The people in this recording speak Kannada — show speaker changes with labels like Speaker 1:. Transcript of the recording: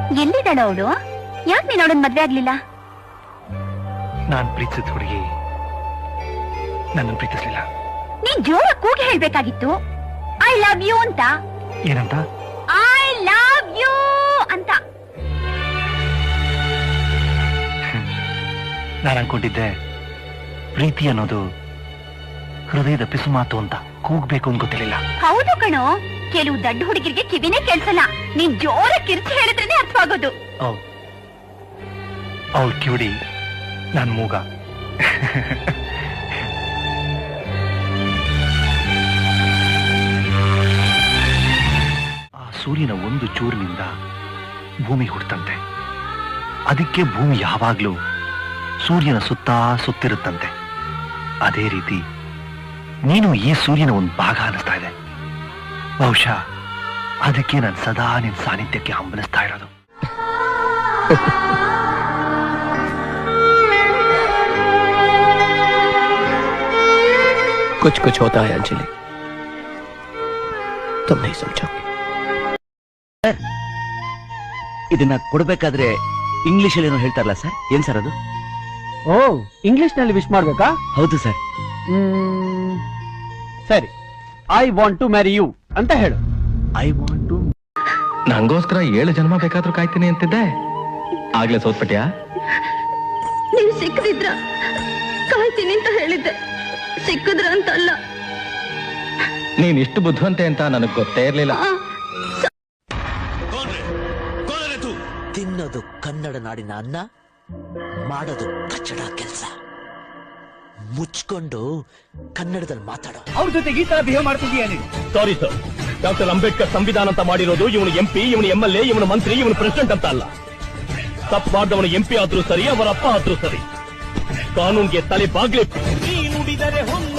Speaker 1: ಎಲ್ಲಿದ್ದಾಳ ಅವಳು? ಯಾಕೆ ನೀನ್ ಅವಳನ್ನ ಮದ್ವೆ ಆಗ್ಲಿಲ್ಲ?
Speaker 2: ನಾನ್ ಪ್ರೀತಿಸಿದ ಹುಡುಗಿ ನನ್ನ ಪ್ರೀತಿಸ್ಲಿಲ್ಲ.
Speaker 1: ನೀನ್ ಜೋರ ಕೂಗಿ ಹೇಳ್ಬೇಕಾಗಿತ್ತು, ಐ ಲವ್ ಯು ಅಂತ.
Speaker 2: ಏನಂತ?
Speaker 1: ಐ ಲವ್ ಯು ಅಂತ.
Speaker 2: ನಾನು ಅನ್ಕೊಂಡಿದ್ದೆ ಪ್ರೀತಿ ಅನ್ನೋದು ಹೃದಯದ ಪಿಸು ಮಾತು ಅಂತ ಕೂಗ್ಬೇಕು ಅಂತ ಗೊತ್ತಿರಲಿಲ್ಲ.
Speaker 1: ಹೌದು ಕಣೋ, ಕೆಲವು ದಡ್ಡ ಹುಡುಗಿರಿಗೆ ಕಿವಿನೇ ಕೇಳ್ಸಲ್ಲ. ನೀನ್ ಜೋರ ಕಿರ್ಚಿ ಹೇಳಿದ್ರೇನೆ ಅರ್ಥವಾಗೋದು.
Speaker 2: ಅವಳು ಕಿವಿಡಿ, ನಾನ್ ಮೂಗ. ಆ ಸೂರ್ಯನ ಒಂದು ಚೂರಿನಿಂದ ಭೂಮಿ ಹುಟ್ಟಂತೆ. ಅದಕ್ಕೆ ಭೂಮಿ ಯಾವಾಗ್ಲೂ ಸೂರ್ಯನ ಸುತ್ತಾ ಸುತ್ತಿರುತ್ತಂತೆ. ಅದೇ ರೀತಿ ನೀನು ಈ ಸೂರ್ಯನ ಒಂದು ಭಾಗ ಅನಿಸ್ತಾ ಇದೆ. ಬಹುಶಃ ಅದಕ್ಕೆ ನಾನು ಸದಾ ನಿನ್ ಸಾನ್ನಿಧ್ಯಕ್ಕೆ ಹಂಬಲಿಸ್ತಾ ಇರೋದು.
Speaker 3: कुछ कुछ होता है अंजलि, तुम नहीं समझोगे.
Speaker 4: ಇದನ್ನ ಕೊಡ್ಬೇಕಾದ್ರೆ ಇಂಗ್ಲಿಷ್ ಅಲ್ಲಿ ಏನೋ ಹೇಳ್ತಾರಲ್ಲ ಸರ್, ಏನ್ ಸರ್ ಅದು?
Speaker 3: ಓ, ಇಂಗ್ಲಿಷ್ ನಲ್ಲಿ ವಿಶ್ ಮಾಡ್ಬೇಕಾ?
Speaker 4: ಹೌದು ಸರ್.
Speaker 3: ಸರಿ, I want to marry you ಅಂತ ಹೇಳು.
Speaker 4: I want to.
Speaker 2: ನಂಗೋಸ್ಕರ 7 ಜನ್ಮ ಬೇಕಾದ್ರೂ ಕಾಯ್ತೀನಿ ಅಂತಿದ್ದೆ, ಆಗ್ಲೇ ಸೋತ್ಪಟ್ಯಾ?
Speaker 1: ನೀವ್ ಸಿಕ್ಕದಿದ್ರ ಕಾಯ್ತೀನಿ ಅಂತ ಹೇಳಿದ್ದೆ, ಸಿಕ್ಕಿದ್ರ ಅಂತ ಅಲ್ಲ.
Speaker 2: ನೀನ್ ಇಷ್ಟು ಬುದ್ಧಿವಂತೆ ಅಂತ ನನಗ್ ಗೊತ್ತೇ ಇರ್ಲಿಲ್ಲ.
Speaker 4: ತಿನ್ನೋದು ಕನ್ನಡ ನಾಡಿನ ಅನ್ನ, ಮಾಡೋದು ಕಚ್ಚಡ ಕೆಲಸ. ಮುಚ್ಕೊಂಡು ಕನ್ನಡದಲ್ಲಿ ಮಾತಾಡೋ.
Speaker 3: ಅವ್ರ ಜೊತೆಗೆ ಈ ತರ ಬಿಹೇವ್ ಮಾಡ್ತಿದೀಯ ನೀನು?
Speaker 5: ಸಾರಿ ಸರ್, ಡಾಕ್ಟರ್ ಅಂಬೇಡ್ಕರ್ ಸಂವಿಧಾನ ಅಂತ ಮಾಡಿರೋದು ಇವನು MP, ಇವನು MLA, ಇವನು ಮಂತ್ರಿ, ಇವನು ಪ್ರೆಸಿಡೆಂಟ್ ಅಂತ ಅಲ್ಲ. ತಪ್ಪು ಮಾಡಿದವನು MP ಆದ್ರೂ ಸರಿ, ಅವರ ಅಪ್ಪ ಆದ್ರೂ ಸರಿ, ಕಾನೂನ್ಗೆ ತಲೆ ಬಾಗ್ಲಿ. ನುಡಿದರೆ